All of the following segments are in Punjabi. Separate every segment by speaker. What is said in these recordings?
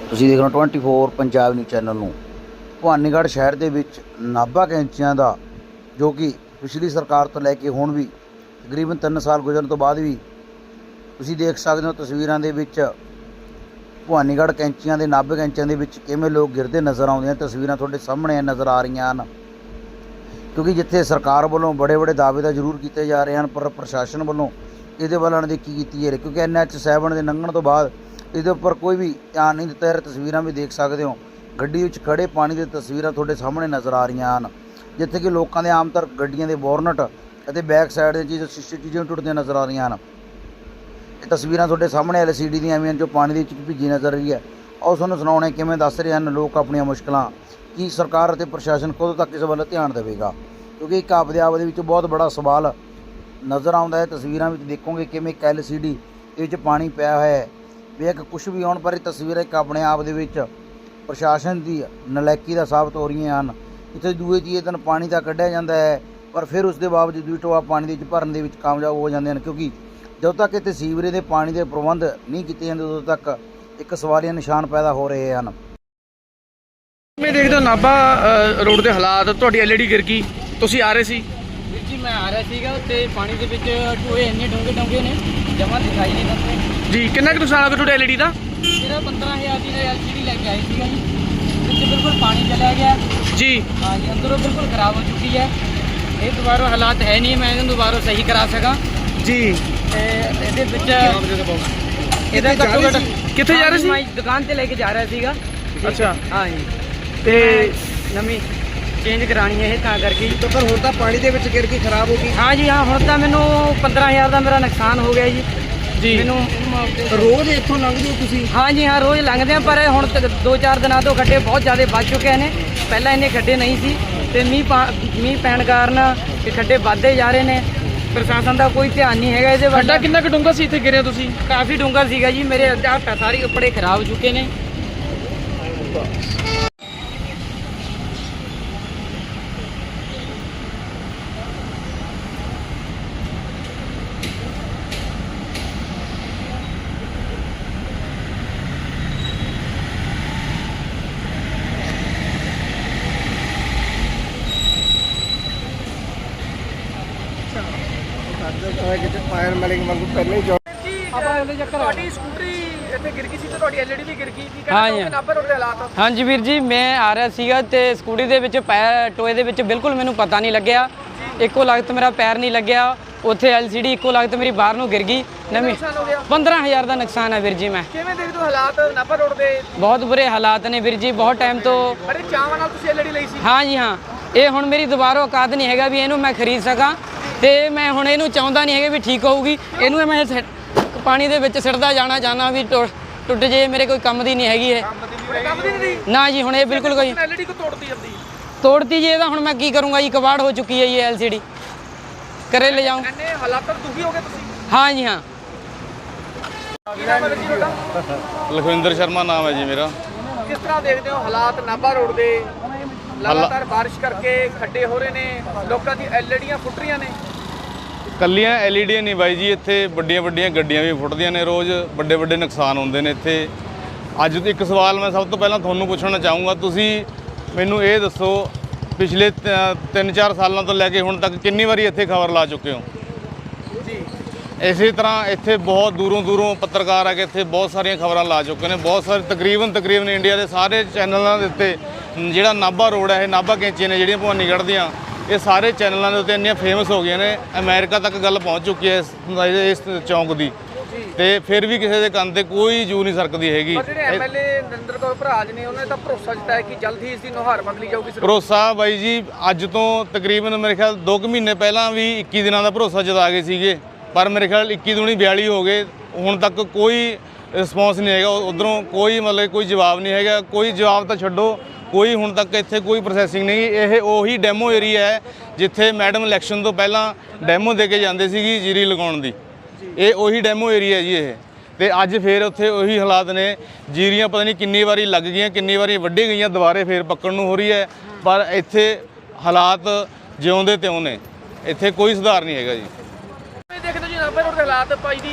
Speaker 1: ਤੁਸੀਂ ਦੇਖ ਰਹੇ ਹੋ 24 ਪੰਜਾਬ ਨਿਊਜ਼ ਚੈਨਲ ਨੂੰ। ਭਵਾਨੀਗੜ੍ਹ ਸ਼ਹਿਰ ਦੇ ਵਿੱਚ ਨਾਭਾ ਕੈਂਚੀਆਂ ਦਾ ਜੋ ਕਿ ਪਿਛਲੀ ਸਰਕਾਰ ਤੋਂ ਲੈ ਕੇ ਹੁਣ ਵੀ ਤਕਰੀਬਨ 3 ਸਾਲ ਗੁਜ਼ਰਨ ਤੋਂ ਬਾਅਦ ਵੀ ਤੁਸੀਂ ਦੇਖ ਸਕਦੇ ਹੋ ਤਸਵੀਰਾਂ ਦੇ ਵਿੱਚ ਭਵਾਨੀਗੜ੍ਹ ਕੈਂਚੀਆਂ ਦੇ ਨਾਭੇ ਕੈਂਚੀਆਂ ਦੇ ਵਿੱਚ ਕਿਵੇਂ ਲੋਕ ਗਿਰਦੇ ਨਜ਼ਰ ਆਉਂਦੇ ਹਨ। ਤਸਵੀਰਾਂ ਤੁਹਾਡੇ ਸਾਹਮਣੇ ਨਜ਼ਰ ਆ ਰਹੀਆਂ ਹਨ ਕਿਉਂਕਿ ਜਿੱਥੇ ਸਰਕਾਰ ਵੱਲੋਂ ਬੜੇ ਦਾਅਵੇ ਤਾਂ ਜ਼ਰੂਰ ਕੀਤੇ ਜਾ ਰਹੇ ਹਨ ਪਰ ਪ੍ਰਸ਼ਾਸਨ ਵੱਲੋਂ ਇਹਦੇ ਵੱਲ ਅਣਦੇਖੀ ਕੀਤੀ ਜਾ ਰਹੀ ਕਿਉਂਕਿ NH7 ਦੇ ਲੰਘਣ ਤੋਂ ਬਾਅਦ ਇਹਦੇ ਉੱਪਰ ਕੋਈ ਵੀ ਧਿਆਨ ਨਹੀਂ ਦਿੱਤਾ ਜਾ ਰਿਹਾ। ਤਸਵੀਰਾਂ ਵੀ ਦੇਖ ਸਕਦੇ ਹੋ ਗੱਡੀ ਵਿੱਚ ਖੜੇ ਪਾਣੀ ਦੀਆਂ ਤਸਵੀਰਾਂ ਤੁਹਾਡੇ ਸਾਹਮਣੇ ਨਜ਼ਰ ਆ ਰਹੀਆਂ ਹਨ ਜਿੱਥੇ ਕਿ ਲੋਕਾਂ ਦੇ ਆਮ ਤੌਰ ਗੱਡੀਆਂ ਦੇ ਬੋਰਨਟ ਅਤੇ ਬੈਕ ਸਾਈਡ ਦੇ ਸ਼ੀਸ਼ੇ ਚੀਜ਼ਾਂ ਟੁੱਟਦੀਆਂ ਨਜ਼ਰ ਆ ਰਹੀਆਂ ਹਨ। ਇਹ ਤਸਵੀਰਾਂ ਤੁਹਾਡੇ ਸਾਹਮਣੇ LCD ਦੀਆਂ ਆਈਆਂ ਜੋ ਪਾਣੀ ਦੇ ਵਿੱਚ ਭਿੱਜੀ ਨਜ਼ਰ ਰਹੀ ਹੈ। ਆਓ ਤੁਹਾਨੂੰ ਸੁਣਾਉਣੇ ਕਿਵੇਂ ਦੱਸ ਰਹੇ ਹਨ ਲੋਕ ਆਪਣੀਆਂ ਮੁਸ਼ਕਲਾਂ। ਕੀ ਸਰਕਾਰ ਅਤੇ ਪ੍ਰਸ਼ਾਸਨ ਕਦੋਂ ਤੱਕ ਇਸ ਵੱਲ ਧਿਆਨ ਦੇਵੇਗਾ ਕਿਉਂਕਿ ਇੱਕ ਆਪਦੇ ਆਪ ਦੇ ਵਿੱਚ ਬਹੁਤ ਬੜਾ ਸਵਾਲ ਨਜ਼ਰ ਆਉਂਦਾ ਹੈ। ਤਸਵੀਰਾਂ ਵਿੱਚ ਦੇਖੋਗੇ ਕਿਵੇਂ ਇੱਕ LCD ਇਹ ਵਿੱਚ ਪਾਣੀ ਪਿਆ ਹੋਇਆ ਹੈ ਵੀ ਇੱਕ ਕੁਛ ਵੀ ਆਉਣ ਪਰ ਇਹ ਤਸਵੀਰਾਂ ਇੱਕ ਆਪਣੇ ਆਪ ਦੇ ਵਿੱਚ ਪ੍ਰਸ਼ਾਸਨ ਦੀ ਨਲਾਇਕੀ ਦਾ ਸਾਬਤ ਹੋ ਰਹੀਆਂ ਹਨ। ਇੱਥੇ ਦੂਏ ਤੀਏ ਦਿਨ ਪਾਣੀ ਤਾਂ ਕੱਢਿਆ ਜਾਂਦਾ ਹੈ ਪਰ ਫਿਰ ਉਸ ਦੇ ਬਾਵਜੂਦ ਵੀ ਟੋਆ ਪਾਣੀ ਦੇ ਵਿੱਚ ਭਰਨ ਦੇ ਵਿੱਚ ਕਾਮਯਾਬ ਹੋ ਜਾਂਦੇ ਹਨ ਕਿਉਂਕਿ ਜਦੋਂ ਤੱਕ ਇੱਥੇ ਸੀਵਰੇਜ ਦੇ ਪਾਣੀ ਦੇ ਪ੍ਰਬੰਧ ਨਹੀਂ ਕੀਤੇ ਜਾਂਦੇ ਉਦੋਂ ਤੱਕ ਇੱਕ ਸਵਾਲੀਆ ਨਿਸ਼ਾਨ ਪੈਦਾ ਹੋ ਰਹੇ ਹਨ।
Speaker 2: ਮੈਂ ਦੇਖਦਾ ਨਾਭਾ ਰੋਡ ਦੇ ਹਾਲਾਤ ਤੁਹਾਡੀ LED ਗਿਰ ਗਈ, ਤੁਸੀਂ ਆ ਰਹੇ ਸੀ?
Speaker 3: ਵੀਰ ਜੀ ਮੈਂ ਆ ਰਿਹਾ ਸੀਗਾ ਤੇ ਪਾਣੀ ਦੇ ਵਿੱਚ ਟੋਏ ਇੰਨੇ ਡੂੰਘੇ ਨੇ ਜਮਾਂ ਦਿਖਾਈ ਨਹੀਂ ਦਿੰਦੇ
Speaker 2: ਜੀ। ਕਿੰਨਾ ਕੁ ਨੁਕਸਾਨ ਹੋ ਗਿਆ ਤੁਹਾਡੇ LED ਦਾ?
Speaker 3: ਜਿਹੜਾ 15,000 ਦੀ LCD ਲੈ ਕੇ ਆਈ ਸੀਗਾ ਜੀ, ਵਿੱਚ ਬਿਲਕੁਲ ਪਾਣੀ ਚਲਿਆ ਗਿਆ
Speaker 2: ਜੀ।
Speaker 3: ਹਾਂ ਜੀ, ਅੰਦਰੋਂ ਬਿਲਕੁਲ ਖਰਾਬ ਹੋ ਚੁੱਕੀ ਹੈ। ਇਹ ਦੁਬਾਰਾ ਹਾਲਾਤ ਹੈ ਨਹੀਂ ਮੈਂ ਇਹਨੂੰ ਦੁਬਾਰਾ ਸਹੀ ਕਰਾ ਸਕਾਂ
Speaker 2: ਜੀ।
Speaker 3: ਤੇ ਇਹਦੇ ਵਿੱਚ ਇਹਦਾ ਘੱਟੋ ਘੱਟ
Speaker 2: ਕਿੱਥੇ ਜਾ ਰਹੇ ਸੀ?
Speaker 3: ਮੈਂ ਦੁਕਾਨ ਤੇ ਲੈ ਕੇ ਜਾ ਰਿਹਾ ਸੀਗਾ।
Speaker 2: ਅੱਛਾ।
Speaker 3: ਹਾਂ ਜੀ,
Speaker 2: ਤੇ
Speaker 3: ਨਵੀਂ ਚੇਂਜ ਕਰਾਣੀ ਹੈ ਇਹ ਤਾਂ ਕਰਕੇ।
Speaker 4: ਤਾਂ ਪਰ ਹੁਣ ਤਾਂ ਪਾਣੀ ਦੇ ਵਿੱਚ ਗਿਰ ਕੇ ਖਰਾਬ ਹੋ ਗਈ।
Speaker 3: ਹਾਂ ਜੀ ਹਾਂ, ਹੁਣ ਤਾਂ ਮੈਨੂੰ 15,000 ਦਾ ਮੇਰਾ ਨੁਕਸਾਨ ਹੋ ਗਿਆ ਜੀ।
Speaker 2: ਜੀ।
Speaker 3: ਮੈਨੂੰ
Speaker 4: ਰੋਜ਼ ਇੱਥੋਂ ਲੰਘਦੇ ਹੋ ਤੁਸੀਂ?
Speaker 3: ਹਾਂ ਜੀ ਹਾਂ, ਰੋਜ਼ ਲੰਘਦੇ ਆ ਪਰ ਹੁਣ ਤੱਕ 2-4 ਦਿਨਾਂ ਤੋਂ ਖੱਡੇ ਬਹੁਤ ਜ਼ਿਆਦਾ ਵੱਧ ਚੁੱਕੇ ਨੇ। ਪਹਿਲਾਂ ਇੰਨੇ ਖੱਡੇ ਨਹੀਂ ਸੀ ਤੇ ਮੀਂਹ ਪੈਣ ਕਾਰਨ ਇਹ ਖੱਡੇ ਵੱਧਦੇ ਜਾ ਰਹੇ ਨੇ। ਪ੍ਰਸ਼ਾਸਨ ਦਾ ਕੋਈ ਧਿਆਨ ਨਹੀਂ ਹੈਗਾ ਇਹਦੇ ਵੱਲ।
Speaker 2: ਖੱਡਾ ਕਿੰਨਾ ਕੁ ਡੂੰਘਾ ਸੀ ਇੱਥੇ ਗਿਰੇ ਤੁਸੀਂ?
Speaker 3: ਕਾਫੀ ਡੂੰਘਾ ਸੀਗਾ ਜੀ, ਮੇਰੇ ਹੱਥ ਸਾਰੇ ਕੱਪੜੇ ਖਰਾਬ ਹੋ ਚੁੱਕੇ ਨੇ।
Speaker 4: ਕਿਤੇ ਫਾਇਰ ਮੈਲਿੰਗ ਵਾਂਗੂ ਪਹਿਲਾਂ ਹੀ
Speaker 2: ਤੁਹਾਡੀ ਸਕੂਟਰੀ ਇੱਥੇ ਗਿਰ ਗਈ ਸੀ ਤੇ ਤੁਹਾਡੀ LED ਵੀ ਗਿਰ ਗਈ। ਕੀ
Speaker 3: ਹਾਂ
Speaker 2: ਕਹਿੰਦੇ
Speaker 3: ਜੀ।
Speaker 2: ਹੋ ਨਾਭਾ ਰੋਡ ਦੇ ਹਾਲਾਤ?
Speaker 3: ਹਾਂਜੀ ਵੀਰ ਜੀ, ਮੈਂ ਆ ਰਿਹਾ ਸੀਗਾ ਤੇ ਸਕੂਟੀ ਦੇ ਵਿੱਚ ਟੋਏ ਦੇ ਵਿੱਚ ਬਿਲਕੁਲ ਮੈਨੂੰ ਪਤਾ ਨਹੀਂ ਲੱਗਿਆ। ਇੱਕੋ ਲਗਤ ਮੇਰਾ ਪੈਰ ਨਹੀਂ ਲੱਗਿਆ ਉੱਥੇ। LCD ਇੱਕੋ ਲਗਤ ਮੇਰੀ ਬਾਹਰ ਨੂੰ ਗਿਰ ਗਈ। ਨਵੀਂ 15,000 ਦਾ ਨੁਕਸਾਨ ਹੈ ਵੀਰ ਜੀ। ਮੈਂ
Speaker 2: ਕਿਵੇਂ ਦੇਖਦੇ ਹੋ ਹਾਲਾਤ ਨਾਭਾ ਰੋਡ ਦੇ?
Speaker 3: ਬਹੁਤ ਬੁਰੇ ਹਾਲਾਤ ਨੇ ਵੀਰ ਜੀ। ਬਹੁਤ ਟਾਈਮ ਤੋਂ
Speaker 2: ਬੜੇ ਚਾਵਾਂ ਨਾਲ ਤੁਸੀਂ LED ਲਈ ਸੀ।
Speaker 3: ਹਾਂ ਜੀ ਹਾਂ, ਇਹ ਹੁਣ ਮੇਰੀ ਦੁਬਾਰਾ ਔਕਾਤ ਨਹੀਂ ਹੈਗਾ ਵੀ ਇਹਨੂੰ ਮੈਂ ਖਰੀਦ ਸਕਾਂ ਤੇ ਮੈਂ ਹੁਣ ਇਹਨੂੰ ਚਾਹੁੰਦਾ ਨਹੀਂ ਹੈਗਾ ਵੀ ਠੀਕ ਹੋਊਗੀ। ਇਹਨੂੰ ਮੈਂ ਪਾਣੀ ਦੇ ਵਿੱਚ ਸਿੱਟਦਾ ਜਾਣਾ ਚਾਹੁੰਦਾ ਵੀ ਟੁੱਟ ਜੇ। ਮੇਰੇ ਕੋਈ ਕੰਮ ਦੀ ਨਹੀਂ ਹੈਗੀ ਇਹ।
Speaker 2: ਕੰਮ ਦੀ ਨਹੀਂ
Speaker 3: ਨਾ ਜੀ, ਹੁਣ ਇਹ ਬਿਲਕੁਲ ਕੋਈ
Speaker 2: LED ਕੋ ਤੋੜਦੀ ਜਾਂਦੀ।
Speaker 3: ਤੋੜਤੀ ਜੀ। ਇਹਦਾ ਹੁਣ ਮੈਂ ਕੀ ਕਰੂੰਗਾ ਜੀ, ਕਬਾੜ ਹੋ ਚੁੱਕੀ ਹੈ ਜੀ LCD। ਕਰੇ ਲੈ ਜਾऊं।
Speaker 2: ਇੰਨੇ ਹਾਲਾਤਾਂ ਤੋਂ ਦੁਖੀ ਹੋ ਗਏ ਤੁਸੀਂ?
Speaker 3: ਹਾਂ ਜੀ ਹਾਂ।
Speaker 2: ਕੀ ਨਾਮ ਹੈ ਜੀ ਤੁਹਾਡਾ?
Speaker 5: ਲਖਵਿੰਦਰ ਸ਼ਰਮਾ ਨਾਮ ਹੈ ਜੀ ਮੇਰਾ।
Speaker 2: ਕਿਸ ਤਰ੍ਹਾਂ ਦੇਖਦੇ ਹੋ ਹਾਲਾਤ ਨਾਭਾ ਰੋਡ ਦੇ? ਲਗਾਤਾਰ ਬਾਰਿਸ਼ ਕਰਕੇ ਖੱਡੇ ਹੋ ਰਹੇ ਨੇ, ਲੋਕਾਂ ਦੀ LEDਆਂ ਫੁੱਟ ਰਹੀਆਂ ਨੇ।
Speaker 5: ਕੱਲੀਆਂ LED ਨਹੀਂ ਬਾਈ ਜੀ, ਇੱਥੇ ਵੱਡੀਆਂ ਗੱਡੀਆਂ ਵੀ ਫੁੱਟਦੀਆਂ ਨੇ ਰੋਜ਼। ਵੱਡੇ ਨੁਕਸਾਨ ਹੁੰਦੇ ਨੇ ਇੱਥੇ। ਅੱਜ ਇੱਕ ਸਵਾਲ ਮੈਂ ਸਭ ਤੋਂ ਪਹਿਲਾਂ ਤੁਹਾਨੂੰ ਪੁੱਛਣਾ ਚਾਹੂੰਗਾ, ਤੁਸੀਂ ਮੈਨੂੰ ਇਹ ਦੱਸੋ ਪਿਛਲੇ 3-4 ਸਾਲਾਂ ਤੋਂ ਲੈ ਕੇ ਹੁਣ ਤੱਕ ਕਿੰਨੀ ਵਾਰੀ ਇੱਥੇ ਖਬਰ ਲਾ ਚੁੱਕੇ ਹੋ?
Speaker 2: ਜੀ।
Speaker 5: ਇਸੇ ਤਰ੍ਹਾਂ ਇੱਥੇ ਬਹੁਤ ਦੂਰੋਂ ਪੱਤਰਕਾਰ ਆ ਕੇ ਇੱਥੇ ਬਹੁਤ ਸਾਰੀਆਂ ਖਬਰਾਂ ਲਾ ਚੁੱਕੇ ਨੇ। ਬਹੁਤ ਸਾਰੇ ਤਕਰੀਬਨ ਇੰਡੀਆ ਦੇ ਸਾਰੇ ਚੈਨਲਾਂ ਦੇ ਉੱਤੇ ਜਿਹੜਾ ਨਾਭਾ ਰੋਡ ਹੈ, ਇਹ ਨਾਭਾ ਕੈਂਚੀਆਂ ਨੇ ਜਿਹੜੀਆਂ ਭਵਾਨੀਗੜ੍ਹ ਦੀਆਂ, ਇਹ ਸਾਰੇ ਚੈਨਲਾਂ ਦੇ ਉੱਤੇ ਇੰਨੀਆਂ ਫੇਮਸ ਹੋ ਗਈਆਂ ਨੇ। ਅਮਰੀਕਾ ਤੱਕ ਗੱਲ ਪਹੁੰਚ ਚੁੱਕੀ ਹੈ ਇਸ ਚੌਂਕ ਦੀ ਤੇ ਫਿਰ ਵੀ ਕਿਸੇ ਦੇ ਕੰਨ ਤੇ ਕੋਈ ਜੂ ਨਹੀਂ ਸਰਕਦੀ ਹੈਗੀ।
Speaker 2: ਪਰ ਜਿਹੜੇ MLA ਨਰਿੰਦਰ ਕੌਰ ਭਰਾਜ ਨੇ ਉਹਨਾਂ ਨੇ ਤਾਂ ਭਰੋਸਾ ਦਿੱਤਾ ਹੈ ਕਿ ਜਲਦ ਹੀ ਇਸ ਦੀ ਨੁਹਾਰ ਬਦਲੀ ਜਾਊਗੀ।
Speaker 5: ਭਰੋਸਾ ਬਾਈ ਜੀ ਅੱਜ ਤੋਂ ਤਕਰੀਬਨ ਮੇਰੇ ਖਿਆਲ 2 ਮਹੀਨੇ ਪਹਿਲਾਂ ਵੀ 21 ਦਿਨਾਂ ਦਾ ਭਰੋਸਾ ਜਤਾ ਗਏ ਸੀਗੇ ਪਰ ਮੇਰੇ ਖਿਆਲ 21 ਦੂਣੀ 42 ਹੋ ਗਏ। ਹੁਣ ਤੱਕ ਕੋਈ ਰਿਸਪੌਂਸ ਨਹੀਂ ਹੈਗਾ ਉੱਧਰੋਂ। ਕੋਈ ਮਤਲਬ ਕੋਈ ਜਵਾਬ ਨਹੀਂ ਹੈਗਾ। ਕੋਈ ਜਵਾਬ ਤਾਂ ਛੱਡੋ, ਕੋਈ ਹੁਣ ਤੱਕ ਇੱਥੇ ਕੋਈ ਪ੍ਰੋਸੈਸਿੰਗ ਨਹੀਂ। ਇਹ ਉਹੀ ਡੈਮੋ ਏਰੀਆ ਹੈ ਜਿੱਥੇ ਮੈਡਮ ਇਲੈਕਸ਼ਨ ਤੋਂ ਪਹਿਲਾਂ ਡੈਮੋ ਦੇ ਕੇ ਜਾਂਦੇ ਸੀਗੀ ਜੀਰੀ ਲਗਾਉਣ ਦੀ। ਇਹ ਉਹੀ ਡੈਮੋ ਏਰੀਆ ਜੀ ਇਹ। ਤੇ ਅੱਜ ਫੇਰ ਉੱਥੇ ਉਹੀ ਹਾਲਾਤ ਨੇ। ਜੀਰੀਆਂ ਪਤਾ ਨਹੀਂ ਕਿੰਨੀ ਵਾਰੀ ਲੱਗ ਗਈਆਂ, ਕਿੰਨੀ ਵਾਰੀ ਵੱਢੀ ਗਈਆਂ, ਦੁਬਾਰੇ ਫੇਰ ਪੱਕਣ ਨੂੰ ਹੋ ਰਹੀ ਹੈ ਪਰ ਇੱਥੇ ਹਾਲਾਤ ਜਿਉਂਦੇ ਤਿਉਂ ਨੇ। ਇੱਥੇ ਕੋਈ ਸੁਧਾਰ ਨਹੀਂ ਹੈਗਾ ਜੀ।
Speaker 2: ਦੇਖਦੇ ਜੀ ਨਾਭਾ ਰੋਡ ਦੇ ਹਾਲਾਤ ਭਾਈ ਜੀ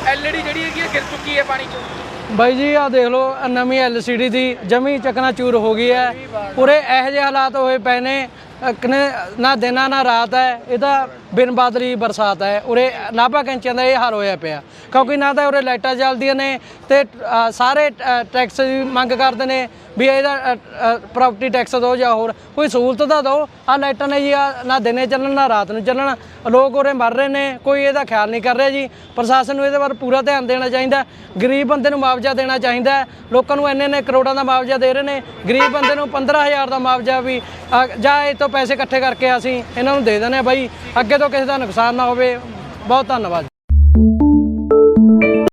Speaker 2: ਐਲਈਡੀ ਜਿਹੜੀ ਹੈਗੀ ਗਿਰ ਚੁੱਕੀ ਹੈ ਪਾਣੀ 'ਚ।
Speaker 3: ਬਾਈ ਜੀ ਆ ਦੇਖ ਲਓ ਨਵੀਂ LCD ਦੀ ਜਮੀ ਚਕਨਾਚੂਰ ਹੋ ਗਈ ਹੈ। ਪੂਰੇ ਇਹੋ ਜਿਹੇ ਹਾਲਾਤ ਹੋਏ ਪਏ ਨੇ ਨਾ ਦਿਨਾਂ ਨਾ ਰਾਤ ਹੈ, ਇਹ ਤਾਂ ਬਿਨ ਬਾਦਲੀ ਬਰਸਾਤ ਹੈ। ਉਰੇ ਨਾਭਾ ਕੈਂਚੀਆਂ ਦਾ ਇਹ ਹਾਲ ਹੋਇਆ ਪਿਆ ਕਿਉਂਕਿ ਨਾ ਤਾਂ ਉਰੇ ਲਾਈਟਾਂ ਚੱਲਦੀਆਂ ਨੇ ਤੇ ਸਾਰੇ ਟੈਕਸ ਦੀ ਮੰਗ ਕਰਦੇ ਨੇ ਵੀ ਇਹਦਾ ਪ੍ਰਾਪਰਟੀ ਟੈਕਸ ਦਿਓ ਜਾਂ ਹੋਰ ਕੋਈ ਸਹੂਲਤ ਤਾਂ ਦਿਓ। ਆਹ ਲਾਈਟਾਂ ਨੇ ਜੀ ਨਾ ਦਿਨੇ ਚੱਲਣ ਨਾ ਰਾਤ ਨੂੰ ਚੱਲਣ, ਲੋਕ ਉਰੇ ਮਰ ਰਹੇ ਨੇ, ਕੋਈ ਇਹਦਾ ਖਿਆਲ ਨਹੀਂ ਕਰ ਰਿਹਾ ਜੀ। ਪ੍ਰਸ਼ਾਸਨ ਨੂੰ ਇਹਦੇ ਬਾਰੇ ਪੂਰਾ ਧਿਆਨ ਦੇਣਾ ਚਾਹੀਦਾ। ਗਰੀਬ ਬੰਦੇ ਨੂੰ ਮੁਆਵਜ਼ਾ ਦੇਣਾ ਚਾਹੀਦਾ। ਲੋਕਾਂ ਨੂੰ ਇੰਨੇ ਕਰੋੜਾਂ ਦਾ ਮੁਆਵਜ਼ਾ ਦੇ ਰਹੇ ਨੇ, ਗਰੀਬ ਬੰਦੇ ਨੂੰ 15,000 ਦਾ ਮੁਆਵਜ਼ਾ ਵੀ ਜਾਂ ਇਹ ਤੋਂ ਪੈਸੇ ਇਕੱਠੇ ਕਰਕੇ ਅਸੀਂ ਇਹਨਾਂ ਨੂੰ ਦੇ ਦਿੰਦੇ ਹਾਂ ਬਾਈ, ਅੱਗੇ ਤੋਂ ਕਿਸੇ ਦਾ ਨੁਕਸਾਨ ਨਾ ਹੋਵੇ। ਬਹੁਤ ਧੰਨਵਾਦ।